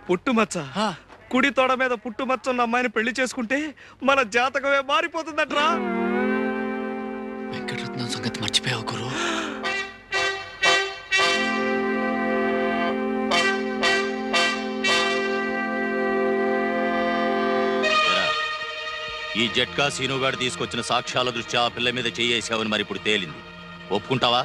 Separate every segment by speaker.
Speaker 1: పుట్టుమచ్చ కుడి తోడ మీద పుట్టుమచ్చ ఉన్న అమ్మాయిని పెళ్లి చేసుకుంటే మన జాతకమే మారిపోతుందట్రా.
Speaker 2: వెంకటరత్నం సంగతి మర్చిపోయావు గురు.
Speaker 3: ఈ జట్కా సీనుగాడు తీసుకొచ్చిన సాక్ష్యాల దృష్ట్యా ఆ పిల్ల మీద చేయేసావని మరి ఇప్పుడు తేలింది. ఒప్పుకుంటావా?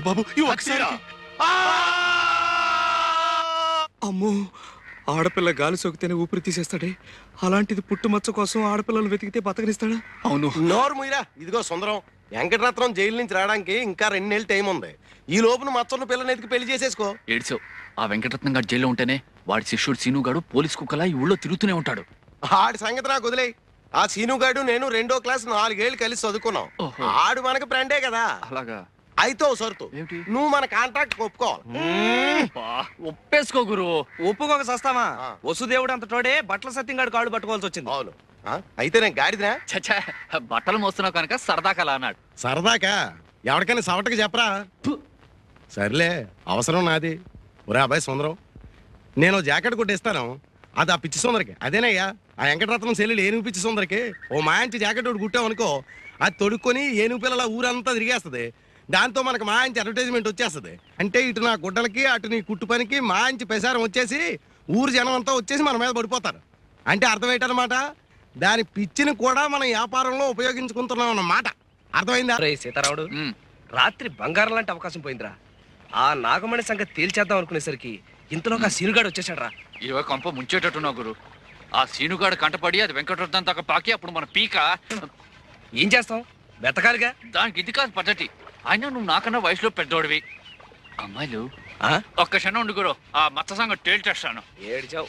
Speaker 1: అమ్మో, ఆడపిల్ల గాలి సోకితేనే ఊపిరి తీసేస్తాడే, అలాంటిది పుట్టుమచ్చ కోసం ఆడపిల్లలు వెతికితే బతకనిస్తాడా?
Speaker 4: అవును. నోరు ముయిరా. ఇదిగో సుందరం, వెంకటరత్నం జైలు నుంచి రావడానికి ఇంకా 2 నెలలు టైం ఉంది. ఈ లోపున మచ్చన్న పిల్లని ఎతికి పెళ్లి చేసేసుకో.
Speaker 2: ఏడ్చావు. ఆ వెంకటరత్నం గారు జైల్లో ఉంటేనే వాడి శిష్యుడు సీనుగాడు పోలీస్ కుక్కలా ఈ ఊళ్ళో తిరుగుతూనే ఉంటాడు.
Speaker 4: ఆడి సంగతి నాకు వదిలే. ఆ సీనుగాడు నేను 2వ క్లాస్ 4 ఏళ్ళు కలిసి చదువుకున్నాం. ఆడు మనకు ఫ్రెండే కదా.
Speaker 2: అలాగా?
Speaker 4: అయితే సరుతు, నువ్వు మన కాంట్రాక్ట్ ఒప్పుకోవాలి.
Speaker 2: ఒప్పేసుకో గురు.
Speaker 1: ఒప్పుకోక సస్తామా? వసుదేవుడు అంత తోడే బట్టల సత్యంగాడు కాళ్ళు పట్టుకోవాల్సి వచ్చింది.
Speaker 4: అవును. అయితే నేను గాడిదినా?
Speaker 2: చచ్చా, బట్టలు మోస్తున్నావు కనుక సరదాకలా అన్నాడు.
Speaker 4: సరదాకా? ఎవరికైనా సవటకి చెప్పరా? సర్లే, అవసరం నాది. ఒరే అబ్బాయి సుందరం, నేను జాకెట్ కొట్టిస్తాను. అది ఆ పిచ్చి సుందరికి. అదేనయ్యా ఆ వెంకటరత్నం సెల్లులు ఏనుగు పిచ్చి సుందరికి ఓ మాంచి జాకెట్ ఒకటి కుట్టామనుకో, అది తొడుక్కొని ఏనుగు పిల్లల ఊరంతా తిరిగేస్తుంది. దాంతో మనకు మాంచి అడ్వర్టైజ్మెంట్ వచ్చేస్తుంది. అంటే ఇటు నా గుడ్డలకి అటు నీ కుట్టు పనికి మాంచి ప్రసారం వచ్చేసి ఊరు జనం అంతా వచ్చేసి మన మీద పడిపోతారు. అంటే అర్థం ఏంటన్నమాట, దాని పిచ్చిని కూడా మనం వ్యాపారంలో ఉపయోగించుకుంటున్నాం అన్నమాట. అర్థమైందా?
Speaker 1: సీతారాముడు, రాత్రి బంగారం లాంటి అవకాశం పోయిందిరా. ఆ నాగమణి సంగతి తేల్చేద్దాం అనుకునేసరికి ఇంతలోకి ఆ సీనుగాడు వచ్చేసాడు రా.
Speaker 2: ఇవో కంప ముంచేటట్టున్నావు గురు. ఆ సీనుగాడు కంటపడి అది వెంకటరత్నం దాకా పాకి అప్పుడు మన పీక
Speaker 1: ఏం చేస్తాం? వెతకాలిగా.
Speaker 2: దానికి ఇది కాదు పద్ధతి. అయినా నువ్వు నాకన్నా వయసులో పెద్దోడివి. అమ్మాయిలు ఒక్క క్షణం ఉండు గురు, ఆ మత్త సంగతి తేల్చేస్తాను.
Speaker 1: ఏడ్చావు.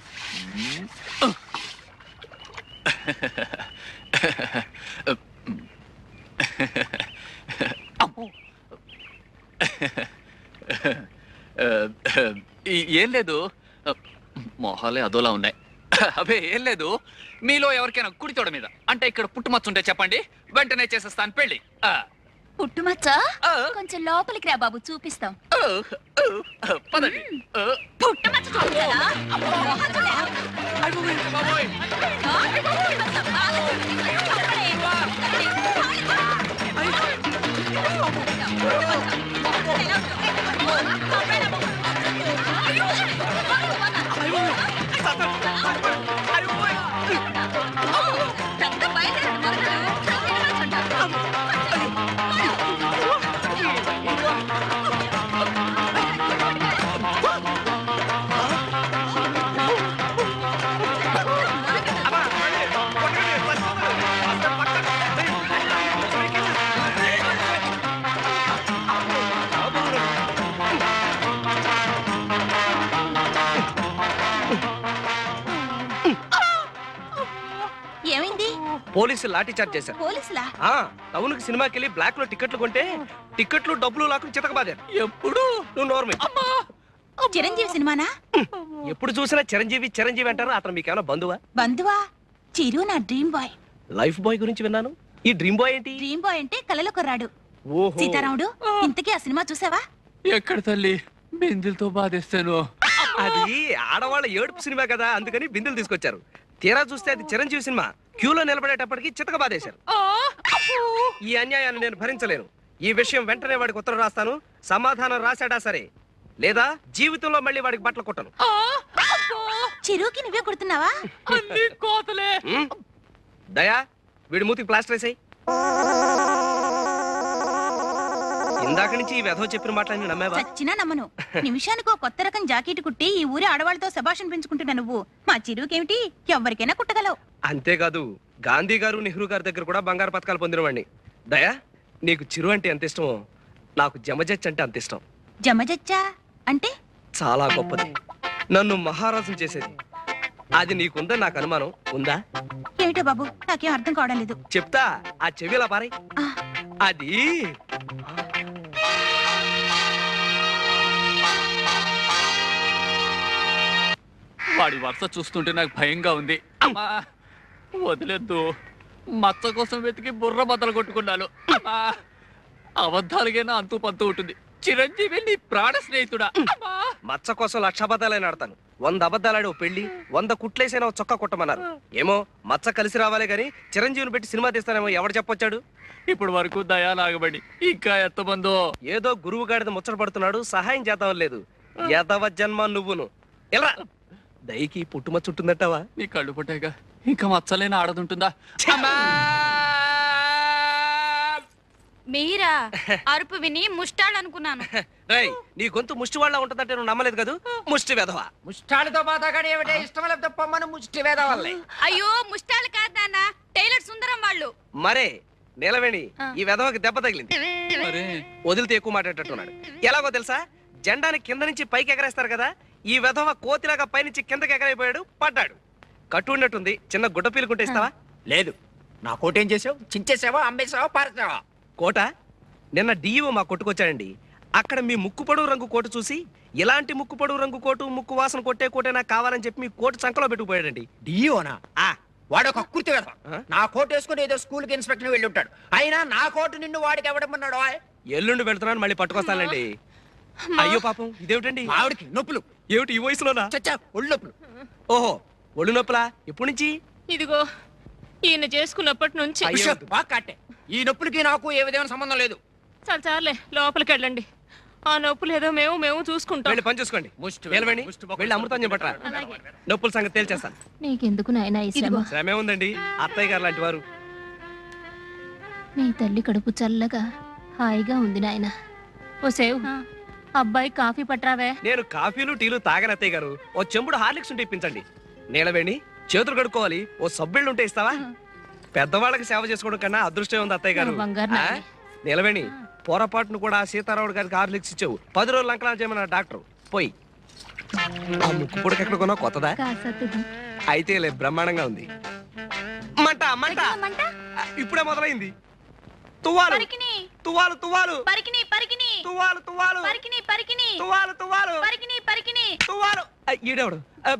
Speaker 2: ఏం లేదు, మొహాలే అదోలా ఉన్నాయి. అవే ఏం లేదు. మీలో ఎవరికైనా కుడితోడ మీద అంటే ఇక్కడ పుట్టుమచ్చ ఉంటే చెప్పండి, వెంటనే చేసేస్తాను పెళ్లి.
Speaker 5: పుట్టుమచ్చ కొంచెం లోపలికి రా బాబు, చూపిస్తాం.
Speaker 2: పదండి.
Speaker 5: పుట్టుమచ్చ చూపించాలా?
Speaker 1: పోలీసులు లాఠీ చార్జ్ చేశారు.
Speaker 5: పోలీసులా?
Speaker 1: టౌన్ కి సినిమాకి వెళ్ళి బ్లాక్ లో టికెట్లు కొంటే టికెట్లు డబ్బులు లాక్కుని చితకబాదారు. ఎప్పుడు నువ్వు నోర్మే.
Speaker 5: చిరంజీవి సినిమానా?
Speaker 1: ఎప్పుడు చూసినా చిరంజీవి చిరంజీవి అంటారు. అతను మీకేమైనా బంధువా?
Speaker 5: బంధువా? చిరు నా డ్రీమ్ బాయ్.
Speaker 1: లైఫ్ బాయ్ గురించి విన్నాను. ఈ డ్రీమ్ బాయ్ ఏంటి?
Speaker 5: డ్రీమ్ బాయ్ అంటే కలలో కొర్రాడు. సీతారాముడు, ఇంతకీ ఆ సినిమా చూసావా?
Speaker 2: ఎక్కడ తల్లి, బిందులతో బాధేస్తాను.
Speaker 1: అది ఆడవాళ్ళ ఏడుపు సినిమా కదా, అందుకని బిందులు తీసుకొచ్చారు. తీరా చూస్తే అది చిరంజీవి సినిమా. క్యూలో నిలబడేటప్పటికి చితక బాధేశారు. ఈ అన్యాయాన్ని నేను భరించలేను. ఈ విషయం వెంటనే వాడికి ఉత్తరం రాస్తాను. సమాధానం రాశాడా సరే, లేదా జీవితంలో మళ్ళీ వాడికి బట్టలు కొట్టను.
Speaker 5: చిరుకి నువ్వే కొడుతున్నావా?
Speaker 1: దయా, వీడి మూతికి ప్లాస్టర్ వేసాయి. ఇందాక నుంచి ఈ వెధవ చెప్పిన మాటలన్నీ నమ్మావా?
Speaker 5: చచ్చినా నమ్మను. నిమిషానికో కొత్త రకం జాకెట్ కుట్టి ఈ ఊరి ఆడవాళ్ళతో శభాషణ పెంచుకుంటున్నా నువ్వు. మా చిరుకేమిటి, ఎవరికైనా కుట్టగలవు.
Speaker 1: అంతేకాదు, గాంధీ గారు నెహ్రూ గారి దగ్గర కూడా బంగారు పథకాలు పొందినవాడిని. దయా, నీకు చిరు అంటే ఎంత ఇష్టమో నాకు జమజచ్చ అంటే అంత ఇష్టం.
Speaker 5: జమజచ్చా అంటే?
Speaker 1: చాలా గొప్పది, నన్ను మహారాజుని చేసేది. అది నీకుందని నాకు అనుమానం. ఉందా?
Speaker 5: ఏమిటో బాబు, నాకేం అర్థం కావడం లేదు.
Speaker 1: చెప్తా, ఆ చెవిలా పారై. అది
Speaker 2: వాడి వరుస చూస్తుంటే నాకు భయంగా ఉంది. వదిలేద్దు, మచ్చ కోసం వెతికి బుర్ర బద్దలు కొట్టుకున్నాను. అబద్ధాలుగైనా అంతు పంతు ఉంటుంది. చిరంజీవి నీ ప్రాణ స్నేహితుడా? అమ్మా!
Speaker 1: మచ్చ కోసం 1,00,000 అబద్ధాలైనా ఆడతాను. 100 అబద్ధాలాడి ఓ పెళ్లి, 100 కుట్లేసైనా ఓ చొక్కా కుట్టమన్నారు. ఏమో మచ్చ కలిసి రావాలే గాని చిరంజీవిని పెట్టి సినిమా తీస్తానేమో ఎవడు చెప్పొచ్చాడు?
Speaker 2: ఇప్పుడు వరకు దయా నాగబడి ఇంకా ఎంతమందో.
Speaker 1: ఏదో గురువు గాడిద ముచ్చట పడుతున్నాడు, సహాయం చేద్దాం లేదు. యదవ జన్మ నువ్వును. ఎలా దయకి పుట్టుమచ్చ ఉంటుందట్టవా?
Speaker 2: నీ కళ్ళు పుట్టాక ఇంకా మచ్చలేని ఆడదుంటుందా? అమ్మా!
Speaker 6: మీరా అరుపు విని ముష్టాలనుకున్నాను.
Speaker 1: రేయ్, నీ గొంతు ముష్టి వాళ్ళ ఉంటుందంటే నువ్వు నమ్మలేదు కదూ? ముష్టి వెధవ.
Speaker 7: ముష్టాలతో మాతాగాడు ఏమిటే ఇష్టం లేకపోతే పొమ్మను ముష్టి వేద వల్లే.
Speaker 6: అయ్యో ముష్టాలు కాదు నాన్న, టైలర్ సుందరం వాళ్ళు.
Speaker 1: మరే నిలవేణి ఈ వెధవకి దెబ్బ తగిలింది.
Speaker 2: మరే
Speaker 1: వదిలితే ఎక్కువ మాట్లాడేటట్టున్నాడు. ఎలాగో తెలుసా? జెండాని కింద నుంచి పైకి ఎగరేస్తారు కదా, ఈ వెధవ కోతిలాగా పైనుంచి కిందకి ఎగరైపోయాడు, పడ్డాడు. కట్టు ఉన్నట్టుంది, చిన్న గుడ్డ పీలుకుంటే ఇస్తావా?
Speaker 7: లేదు, నా కోటేం చేసావు? చించేసావా, అమ్మేసావా, పారేసావా?
Speaker 1: కోట నిన్న డిఈఓ మా కొట్టుకొచ్చాడండి. అక్కడ మీ ముక్కు పొడవు రంగు కోటు చూసి, ఇలాంటి ముక్కు పొడవు రంగు కోటు, ముక్కు వాసన కొట్టే కోటే నాకు కావాలని చెప్పి మీ కోటు చంకలో పెట్టుకుపోయాడండి.
Speaker 7: డియోనా?
Speaker 1: ఆ
Speaker 7: వాడు ఒక కుర్తి వేద.
Speaker 1: ఆ?
Speaker 7: నా కోట్ వేసుకుని ఏదో స్కూల్ కి ఇన్స్పెక్టర్ వెళ్ళి ఉంటాడు. అయినా నా కోటు నిన్ను వాడికి ఎవడమన్నాడు?
Speaker 1: ఎల్లుండి వెళ్తున్నాను, మళ్ళీ పట్టుకొస్తానండి. అయ్యో పాపం, ఇదేమిటండి?
Speaker 7: ఆవిడికి నొప్పులు.
Speaker 1: ఏమిటి ఈ వయసులోనా?
Speaker 7: చచ్చా, ఒళ్ళు నొప్పులు.
Speaker 1: ఓహో, ఒళ్ళు నొప్పులా? ఎప్పటి నుంచి?
Speaker 6: ఇదిగో ఈయన చేసుకున్నప్పటి నుంచి.
Speaker 1: అయ్యో.
Speaker 7: ఉష్, బాగా కట్టే. ఈ నొప్పులకి నాకు ఏ విధమైన సంబంధం లేదు.
Speaker 6: చాలే లోపలికి వెళ్ళండి. ఆ నొప్పులు ఏదో మేము చూసుకుంటాం.
Speaker 1: వెళ్ళి పని చూసుకోండి. నిలవేణి, వెళ్ళి అమృతం చెప్పట్రా. నొప్పుల సంగతి తేల్చేస్తాను.
Speaker 8: నీకెందుకు నాయనా ఈ శ్రమ?
Speaker 1: శ్రమే ఉందండి, అత్తయ్య గారు లాంటి వారు.
Speaker 8: నీ తల్లి కడుపు చల్లగా హాయిగా ఉంది నాయనా. ఓ సేవ్, అబ్బాయి కాఫీ పట్రావే.
Speaker 1: నేను కాఫీలు టీలు తాగని అత్తయ్య గారు. ఓ చెంబుడు హార్లిక్స్ ఉంటే ఇప్పించండి. నీలవేణి, చేతులు కడుక్కోవాలి, ఓ సబ్బిళ్ళు ఉంటే ఇస్తావా? పెద్దవాళ్ళకి సేవ చేసుకోవడం కన్నా అదృష్టం ఉంది అత్తయ్య గారు.
Speaker 8: నా బంగారు
Speaker 1: ఆ?
Speaker 8: నాయనే.
Speaker 1: నీలవేణి, పొరపాటును కూడా సీతారాముడు గారికి హార్లిక్స్ ఇచ్చావు. 10 రోజులు అంకలా చేయమన్నా డాక్టర్. పోయి ఆ ముక్కు పొడికి ఎక్కడ కొన్నా కొత్తదా?
Speaker 8: కాసత్తుది.
Speaker 1: అయితే లే, బ్రహ్మాండంగా ఉంది. మంట మంట ఇప్పుడే మొదలైంది. తువ్వాలు
Speaker 5: పరికిని
Speaker 1: తువ్వాలు తువ్వాలు
Speaker 5: పరికిని పరికిని
Speaker 1: తువ్వాలు తువ్వాలు
Speaker 5: పరికిని పరికిని
Speaker 1: తువ్వాలు తువ్వాలు
Speaker 5: పరికిని పరికిని
Speaker 1: తువ్వాలు. ఈడేవాడు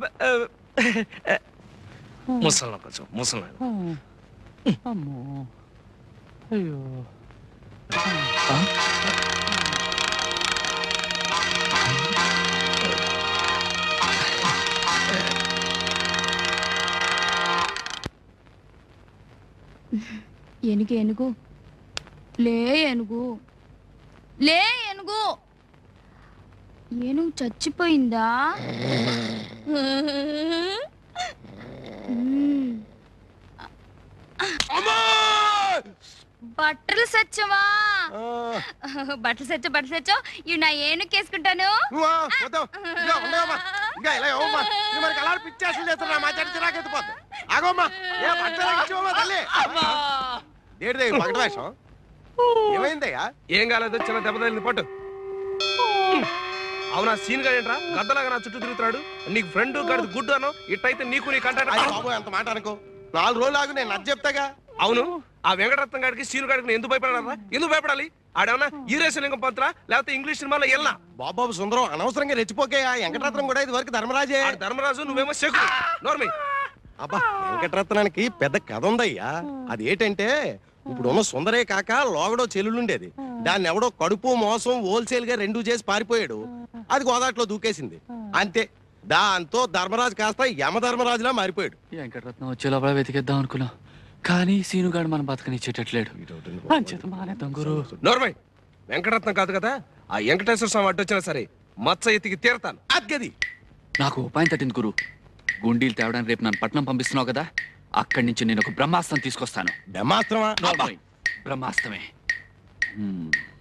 Speaker 1: ముసలి కొంచెం ముసలి.
Speaker 2: అమ్మో అయ్యో.
Speaker 8: ఏనుగు ఏనుగు లే, ఏనుగు లే, ఏనుగు. ఏనుగు చచ్చిపోయిందా? బట్టలు సచ్చవా? బట్టలు సచ్చో ఇవి నా ఏనుకేసుకుంటాను.
Speaker 4: ఏమైందయ్యా?
Speaker 1: ఏం కాలేదు, చిన్న దెబ్బ తగిలింది, పట్టు. అవునా సీన్ గా ఏంట్రా గద్దలాగా నా చుట్టూ తిరుగుతాడు? నీకు ఫ్రెండ్ గడిది గుడ్డు అను, ఇట్టయితే నీకు నీ కంటాడు.
Speaker 4: బాబు ఎంత మాట అనుకో, 4 రోజులు ఆగు, నేను నచ్చ చెప్తాగా.
Speaker 1: అవును, ఆ వెంకటరత్నం గారికి సీను గారికి ఎందుకు భయపడాలా? ఎందుకు భయపడాలి? ఆడేమన్నా ఈరేశలింగం పంతులా లేకపోతే ఇంగ్లీష్ సినిమాలో వెళ్ళా?
Speaker 4: బాబు సుందరం, అనవసరంగా రెచ్చిపోకేయా. వెంకటరత్నం కూడా ఇది వరకు ధర్మరాజే.
Speaker 1: ధర్మరాజు, నువ్వేమో శకుడు. నోర్మి.
Speaker 4: అబ్బా, వెంకటరత్నానికి పెద్ద కథ ఉందయ్యా. అది ఏంటంటే, ఇప్పుడున్న సుందరే కాక లోగడో చెల్లుండేది. దాన్ని ఎవడో కడుపు మోసం హోల్సేల్ గా 2 చేసి పారిపోయాడు. అది గోదాట్లో దూకేసింది. అంతే, దాంతో ధర్మరాజు కాస్త యమధర్మరాజులా మారిపోయాడు.
Speaker 2: వెంకటరత్నం వచ్చే లోపల వెతికేద్దాం అనుకున్నా, కానీ సీనుగాడు మనం బతకనిచ్చేటట్లేడు. అంచేత మానేద్దాం గురు.
Speaker 1: నోర్మై, వెంకటరత్నం కాదు కదా, ఆ వెంకటేశ్వర స్వామి అడ్డొచ్చినా సరే మచ్చ ఎత్తికి తీరతాను.
Speaker 4: అద్గది
Speaker 2: నాకు ఉపాయం తట్టింది గురు. గుండీలు తేవడానికి రేపు నన్ను పట్నం పంపిస్తున్నావు కదా, అక్కడి నుంచి నేను ఒక బ్రహ్మాస్త్రం తీసుకొస్తాను.
Speaker 4: బ్రహ్మాస్త్రమా?
Speaker 2: బ్రహ్మాస్త్రమే.